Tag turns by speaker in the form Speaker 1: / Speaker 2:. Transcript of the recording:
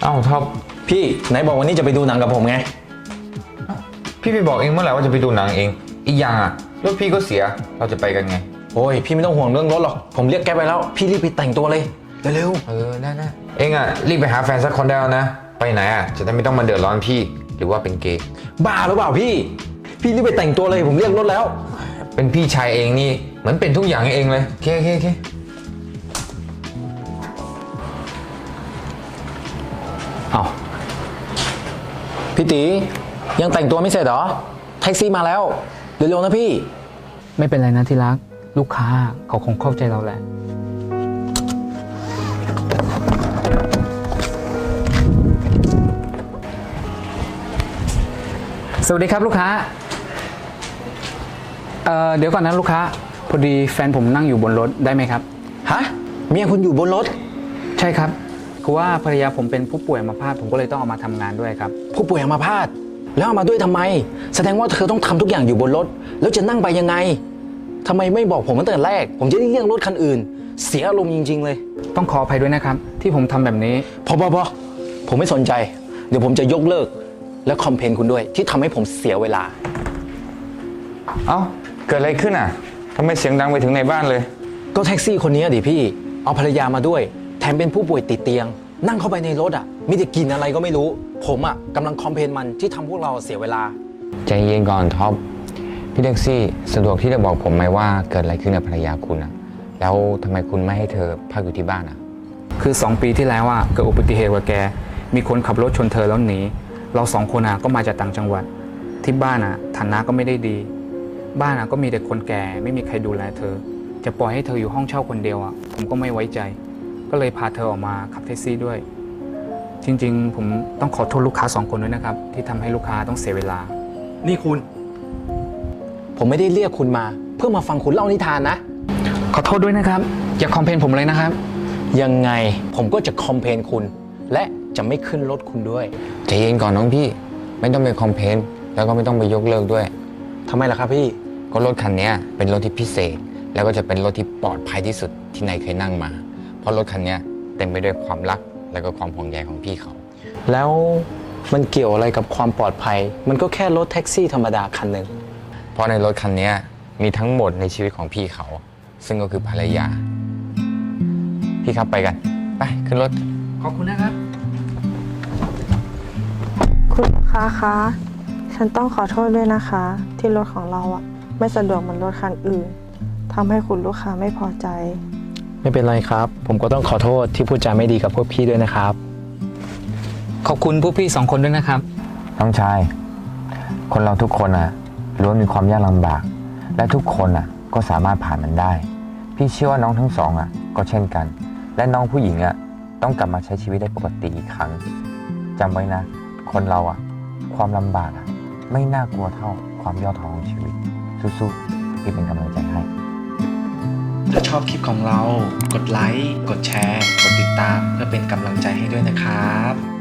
Speaker 1: อ้าวท็อป
Speaker 2: พี่ไหนบอกวันนี้จะไปดูหนังกับผมไง
Speaker 1: พี่ไปบอกเองเมื่อไหร่ว่าจะไปดูหนังเองอีกอย่างอ่ะรถพี่ก็เสียเราจะไปกันไง
Speaker 2: โอ้ยพี่ไม่ต้องห่วงเรื่องรถหรอกผมเรียกแก๊ปไปแล้วพี่รีบไปแต่งตัวเลยเร็ว
Speaker 1: ได้เองอ่ะรีบไปหาแฟนสักคนได้แล้วนะไปไหนอ่ะจะได้ไม่ต้องมาเดือดร้อนพี่หรือว่าเป็นเกย์
Speaker 2: บ้าหรือเปล่าพี่รีบไปแต่งตัวเลยผมเรียกรถแล้ว
Speaker 1: เป็นพี่ชายเองนี่เหมือนเป็นทุกอย่างให้เองเลยโอเค
Speaker 2: เอาพี่ตียังแต่งตัวไม่เสร็จเหรอแท็กซี่มาแล้วเร็วๆนะพี่
Speaker 3: ไม่เป็นไรนะที่รักลูกค้าเขาคงเข้าใจเราแหละสวัสดีครับลูกค้าเดี๋ยวก่อนนะลูกค้าพอดีแฟนผมนั่งอยู่บนรถได้ไหมครับ
Speaker 2: ฮะเมียคุณอยู่บนรถ
Speaker 3: ใช่ครับคือว่าภรรยาผมเป็นผู้ป่วยอัมพาตผมก็เลยต้องเอามาทำงานด้วยครับ
Speaker 2: ผู้ป่วยอัมพาตแล้วเอามาด้วยทำไมแสดงว่าเธอต้องทำทุกอย่างอยู่บนรถแล้วจะนั่งไปยังไงทำไมไม่บอกผมตั้งแต่แรกผมจะได้เลี่ยงรถคันอื่นเสียอารมณ์จริงๆเลย
Speaker 3: ต้องขออภัยด้วยนะครับที่ผมทำแบบนี้
Speaker 2: พอผมไม่สนใจเดี๋ยวผมจะยกเลิกและคอมเพลนคุณด้วยที่ทำให้ผมเสียเวลา
Speaker 1: เอ้าเกิดอะไรขึ้นอ่ะทำไมเสียงดังไปถึงในบ้านเลย
Speaker 2: ก็แท็กซี่คนนี้ดิพี่เอาภรรยามาด้วยแถมเป็นผู้ป่วยติดเตียงนั่งเข้าไปในรถอ่ะมีแต่กลิ่นอะไรก็ไม่รู้ผมอ่ะกำลังคอมเพลนมันที่ทำพวกเราเสียเวลา
Speaker 1: ใจเย็นก่อนท็อปพี่แท็กซี่สะดวกที่จะบอกผมไหมว่าเกิดอะไรขึ้นกับภรรยาคุณอ่ะแล้วทำไมคุณไม่ให้เธอพักอยู่ที่บ้านอ่ะ
Speaker 3: คือ2 ปีที่แล้วอ่ะเกิดอุบัติเหตุกับแกมีคนขับรถชนเธอแล้วหนีเรา2 คนอ่ะก็มาจากต่างจังหวัดที่บ้านอ่ะฐานะก็ไม่ได้ดีบ้านอ่ะก็มีแต่คนแก่ไม่มีใครดูแลเธอจะปล่อยให้เธออยู่ห้องเช่าคนเดียวอ่ะผมก็ไม่ไว้ใจก็เลยพาเธอออกมาขับแท็กซี่ด้วยจริงๆผมต้องขอโทษลูกค้า2 คนด้วยนะครับที่ทำให้ลูกค้าต้องเสียเวลา
Speaker 2: นี่คุณผมไม่ได้เรียกคุณมาเพื่อมาฟังคุณเล่านิทานนะ
Speaker 3: ขอโทษด้วยนะครับอย่าคอมเพลนผมเลยนะครับ
Speaker 2: ยังไงผมก็จะคอมเพลนคุณและจะไม่ขึ้นรถคุณด้วย
Speaker 1: ใจเย็นก่อนน้องพี่ไม่ต้องไปคอมเพลนแล้วก็ไม่ต้องไปยกเลิกด้วย
Speaker 2: ทำไมล่ะครับพี่
Speaker 1: ก็รถคันนี้เป็นรถที่พิเศษแล้วก็จะเป็นรถที่ปลอดภัยที่สุดที่นายเคยนั่งมาเพราะรถคันนี้เต็มไปด้วยความรักและก็ความห่วงใยของพี่เขา
Speaker 2: แล้วมันเกี่ยวอะไรกับความปลอดภัยมันก็แค่รถแท็กซี่ธรรมดาคันหนึ่ง
Speaker 1: เพราะในรถคันนี้มีทั้งหมดในชีวิตของพี่เขาซึ่งก็คือภรรยาพี่ครับไปกันไปขึ้นรถ
Speaker 3: ขอบคุณนะครับ
Speaker 4: คุณลูกค้าคะฉันต้องขอโทษด้วยนะคะที่รถของเราอ่ะไม่สะดวกเหมือนรถคันอื่นทำให้คุณลูกค้าไม่พอใจ
Speaker 2: ไม่เป็นไรครับผมก็ต้องขอโทษที่พูดจาไม่ดีกับพวกพี่ด้วยนะครับ
Speaker 3: ขอบคุณพวกพี่2 คนด้วยนะครับ
Speaker 1: น้องชายคนเราทุกคนล้วนมีความยากลำบากและทุกคนก็สามารถผ่านมันได้พี่เชื่อว่าน้องทั้งสองก็เช่นกันและน้องผู้หญิงต้องกลับมาใช้ชีวิตได้ปกติอีกครั้งจำไว้นะคนเราความลำบากไม่น่ากลัวเท่าความย่อท้อของชีวิตสู้ๆพี่เป็นกำลังใจให้
Speaker 2: ถ้าชอบคลิปของเรากดไลค์กดแชร์กดติดตามเพื่อเป็นกำลังใจให้ด้วยนะครับ